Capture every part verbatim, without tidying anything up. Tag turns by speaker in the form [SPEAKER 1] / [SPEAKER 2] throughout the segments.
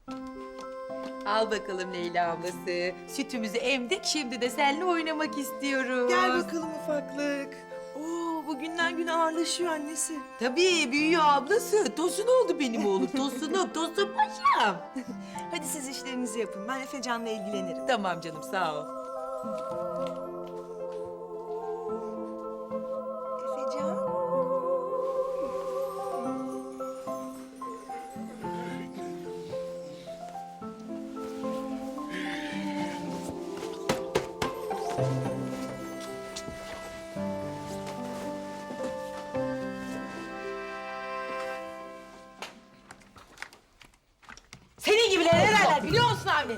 [SPEAKER 1] Al bakalım Leyla ablası. Sütümüzü emdik, şimdi de seninle oynamak istiyoruz.
[SPEAKER 2] Gel bakalım ufaklık. Oo, bugünden güne ağırlaşıyor annesi.
[SPEAKER 1] Tabii büyüyor ablası. Tosun oldu benim oğlum. Tosunum, tosun paşam.
[SPEAKER 2] Hadi siz işlerinizi yapın. Ben Efecan'la ilgilenirim.
[SPEAKER 1] Tamam canım, sağ ol.
[SPEAKER 2] Efecan?
[SPEAKER 1] Senin gibiler ne derler biliyor musun Avni?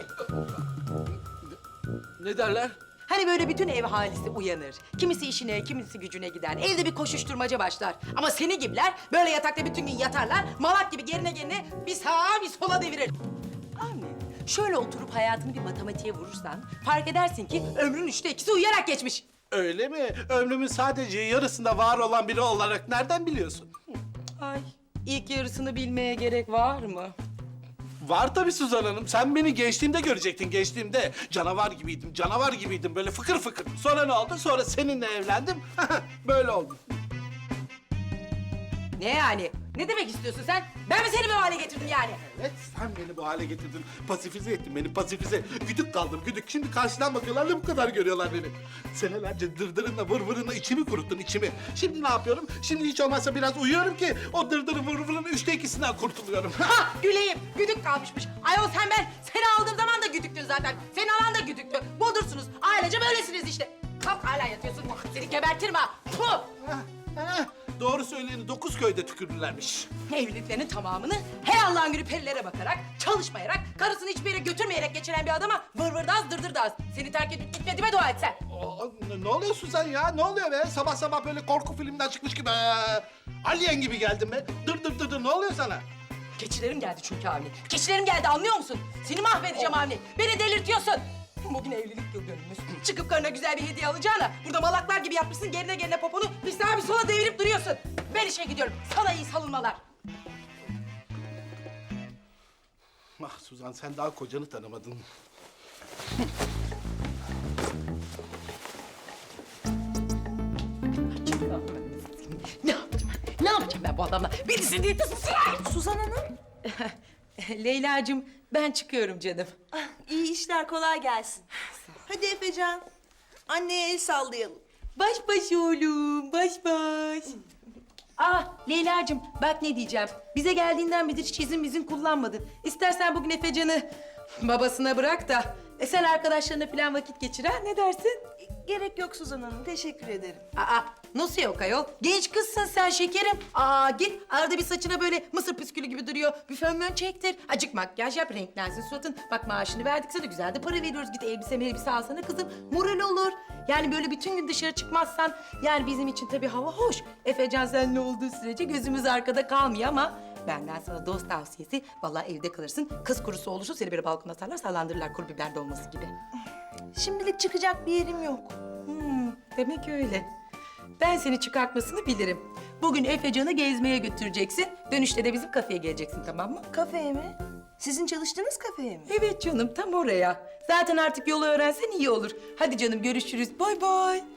[SPEAKER 3] Ne derler?
[SPEAKER 1] Hani böyle bütün ev ahalisi uyanır. Kimisi işine, kimisi gücüne gider. Evde bir koşuşturmaca başlar. Ama senin gibiler böyle yatakta bütün gün yatarlar. Malak gibi gerine gerine bir sağa bir sola devirir. Avni, şöyle oturup hayatını bir matematiğe vurursan... ...fark edersin ki ömrün üçte ikisi uyuyarak geçmiş.
[SPEAKER 3] Öyle mi? Ömrümün sadece yarısında var olan biri olarak nereden biliyorsun?
[SPEAKER 1] Ay, ilk yarısını bilmeye gerek var mı?
[SPEAKER 3] Var tabii Suzan Hanım. Sen beni gençliğimde görecektin, gençliğimde. Canavar gibiydim, canavar gibiydim. Böyle fıkır fıkır. Sonra ne oldu? Sonra seninle evlendim. Böyle oldu.
[SPEAKER 1] Ne yani? Ne demek istiyorsun sen? Ben mi seni bu hale getirdim yani?
[SPEAKER 3] Evet, sen beni bu hale getirdin. Pasifize ettin beni, pasifize. Güdük kaldım, güdük. Şimdi karşıdan bakıyorlar da bu kadar görüyorlar beni. Senelerce dırdırınla vır vırınla içimi kuruttun, içimi. Şimdi ne yapıyorum? Şimdi hiç olmazsa biraz uyuyorum ki... ...o dırdırı vır vırın üçte ikisinden kurtuluyorum.
[SPEAKER 1] Ha güleyim, güdük kalmışmış. Ayol sen ben seni aldığım zaman da güdüktün zaten. Seni alan da güdüktü. Budursunuz. Ailece böylesiniz işte. Kalk hala yatıyorsun. Seni gebertirim ha. Puh!
[SPEAKER 3] Heh, doğru söyleyeni dokuz köyde tükürdülermiş.
[SPEAKER 1] Evliliklerinin tamamını her Allah'ın günü perilere bakarak, çalışmayarak, karısını hiçbir yere götürmeyerek geçiren bir adama vır vır daz dırdır daz. Seni terk edip gitmediğime dua et sen.
[SPEAKER 3] Aa, ne, ne oluyorsun sen ya? Ne oluyor be? Sabah sabah böyle korku filminden çıkmış gibi. Ee, Alien gibi geldin be. Dır dır dır dır. Ne oluyor sana?
[SPEAKER 1] Keçilerim geldi çünkü Avni. Keçilerim geldi anlıyor musun? Seni mahvedeceğim Avni. Beni delirtiyorsun. Bugün evlilik yıl dönümümüz. Çıkıp karına güzel bir hediye alacağına burada malaklar gibi yapmışsın gerine gerine poponu bir sağa bir sola devirip duruyorsun. Ben işe gidiyorum. Sana iyi salınmalar.
[SPEAKER 3] Ah Suzan sen daha kocanı tanımadın.
[SPEAKER 1] Ne yapacağım ben? Ne yapacağım ben bu adamla? Birisi değil de susayım.
[SPEAKER 2] Suzan Hanım.
[SPEAKER 1] Leyla'cığım ben çıkıyorum canım.
[SPEAKER 2] Ah, iyi işler, kolay gelsin. Hadi Efecan. Anneye el sallayalım.
[SPEAKER 1] Baş baş oğlum, baş baş. Ah Leyla'cığım bak ne diyeceğim. Bize geldiğinden beri hiç izin izin kullanmadın. İstersen bugün Efecan'ı babasına bırak da... E sen arkadaşlarına falan vakit geçir ha, ne dersin?
[SPEAKER 2] Gerek yok Suzan Hanım, teşekkür ederim.
[SPEAKER 1] Aa, nasıl yok ayol? Genç kızsın sen şekerim. Aa, git arada bir saçına böyle mısır püskülü gibi duruyor. Bir fön mön çektir. Acık makyaj yap, renklensin suratın. Bak maaşını verdik sana, güzel de para veriyoruz. Git elbise elbise alsana kızım. Moral olur. Yani böyle bütün gün dışarı çıkmazsan... ...yani bizim için tabii hava hoş. Efecan seninle olduğu sürece gözümüz arkada kalmıyor ama... Benden sana dost tavsiyesi, vallahi evde kalırsın. Kız kurusu olursa seni böyle balkona atarlar, sallandırırlar kuru biber dolması gibi.
[SPEAKER 2] Şimdilik çıkacak bir yerim yok.
[SPEAKER 1] Hmm, demek öyle. Ben seni çıkartmasını bilirim. Bugün Efecan'ı gezmeye götüreceksin. Dönüşte de bizim kafeye geleceksin, tamam mı?
[SPEAKER 2] Kafeye mi? Sizin çalıştığınız kafeye mi?
[SPEAKER 1] Evet canım, tam oraya. Zaten artık yolu öğrensen iyi olur. Hadi canım, görüşürüz. Bay bay.